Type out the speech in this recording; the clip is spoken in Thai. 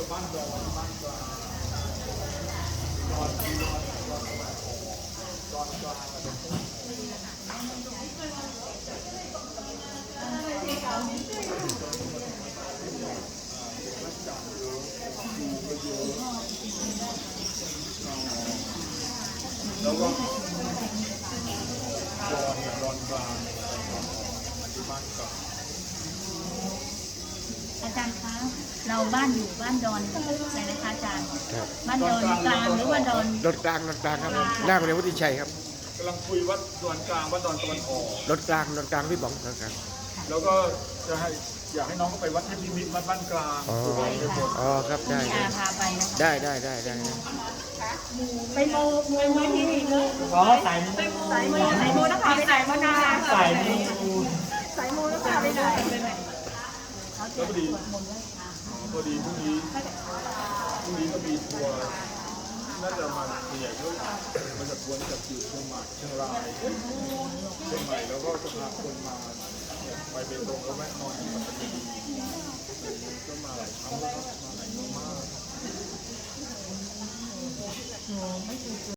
บ้านดอนบ้านกลางดอนกลางแล้วก็ดอนกลางบ้านกลางอาจารย์คะเราบ้านอยู่บ้านดอนอะไรนะคะอาจารย์ครับบ้านดอนกลางหรือว่าดอนรถกลางครับหน้าโรงเรียนวุฒิชัยครับกำลังคุยว่าดอนกลางว่าดอนตะวันออกรถกลางพี่ป๋องรถกลางแล้วก็จะให้อยากให้น้องเขาไปวัดเทพนิมิตรวัดบ้านกลางอ๋อไปหมดอ๋อครับได้พี่อาพาไปนะคะได้ไปโมไว้ที่นี่เลยอ๋อสายมูสายโมนะคะไปไหนมานาสายมูสายโมนะคะไปไหนแล้วพอดีพอดีพรุ่งนี้ก็มีทัวร์น่าจะมาใหญ่ด้วยมาจากทัวร์จากอยู่เชียงใหม่เชียงรายเชียงใหม่แล้วก็จะพาคนมาเนี่ยไปเบตงแล้วแวะนอนที่ปัตตานี